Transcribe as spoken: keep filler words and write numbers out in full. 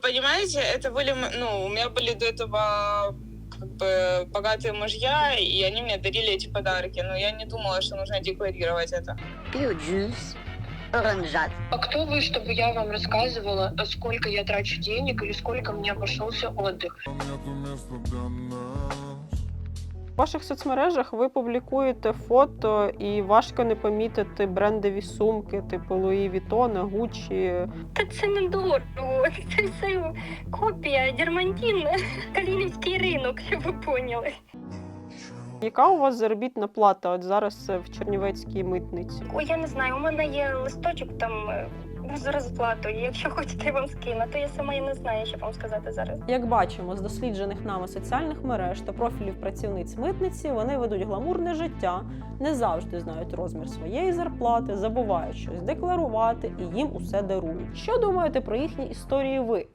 понимаете, это были, м- ну, у меня были до этого как бы богатые мужья, и они мне дарили эти подарки, но я не думала, что нужно декларировать это. Пью джус, оранжат. А кто вы, чтобы я вам рассказывала, сколько я трачу денег или сколько мне обошелся отдых? В ваших соцмережах ви публікуєте фото, і важко не помітити брендові сумки, типу Луї Вітона, Гуччі. Та це не дорого, це все копія, дермантин, Калинівський ринок, щоб ви поняли. Яка у вас заробітна плата от зараз в Чернівецькій митниці? Ой, я не знаю, у мене є листочок там е, з розплатою. Якщо хочете, я вам скину, то я сама і не знаю, що вам сказати зараз. Як бачимо з досліджених нами соціальних мереж та профілів працівниць митниці, вони ведуть гламурне життя, не завжди знають розмір своєї зарплати, забувають щось декларувати і їм усе дарують. Що думаєте про їхні історії ви?